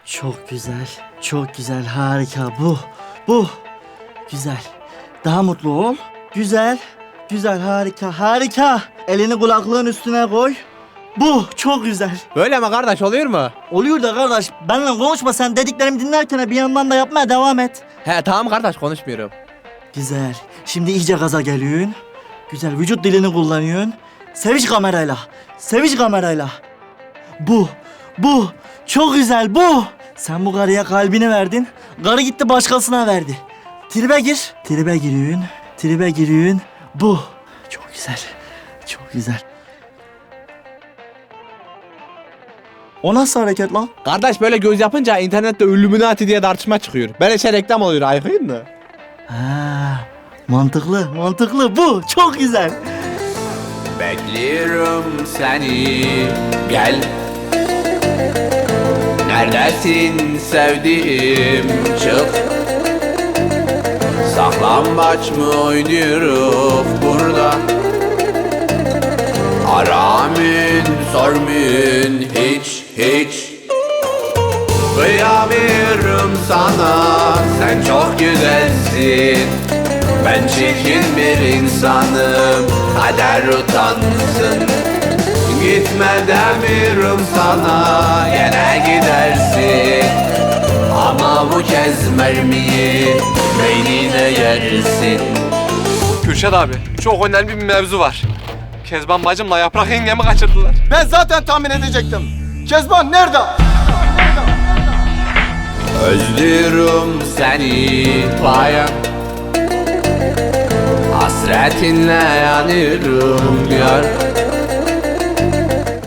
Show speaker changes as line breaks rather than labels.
Çok güzel, çok güzel, harika. Bu. Güzel. Daha mutlu ol. Güzel, güzel, harika, harika. Elini kulaklığın üstüne koy. Bu, çok güzel.
Böyle mi kardeş, oluyor mu?
Oluyor da kardeş, benimle konuşma sen, dediklerimi dinlerken bir yandan da yapmaya devam et.
He tamam kardeş, konuşmuyorum.
Güzel. Şimdi iyice gaza geliyorsun. Güzel, vücut dilini kullanıyorsun. Seviş kamerayla. Seviş kamerayla. Bu. Çok güzel, bu. Sen bu karıya kalbini verdin. Karı gitti başkasına verdi. Tribe gir. Tribe giriyorsun. Tribe giriyorsun. Bu. Çok güzel. Çok güzel. O nasıl hareket lan?
Kardeş böyle göz yapınca internette Illuminati diye tartışma çıkıyor. Böyle şey reklam oluyor, ayıkayım mı?
Ha, mantıklı. Bu. Çok güzel.
Bekliyorum seni, gel. Neredesin sevdiğim, çık. Saklambaç mı oynuyoruz burada? Aramın, sormun hiç. Kıyamıyorum sana, sen çok güzelsin. Ben çirkin bir insanım, kader utansın. Gitme demiyorum sana, gene gidersin. Ama bu kez mermiyi beynine yersin.
Kürşat abi, çok önemli bir mevzu var. Kezban bacımla Yaprak yengemi kaçırdılar.
Ben zaten tahmin edecektim. Kezban nerede?
Özlüyorum seni bayan. Hasretinle yanıyorum yar.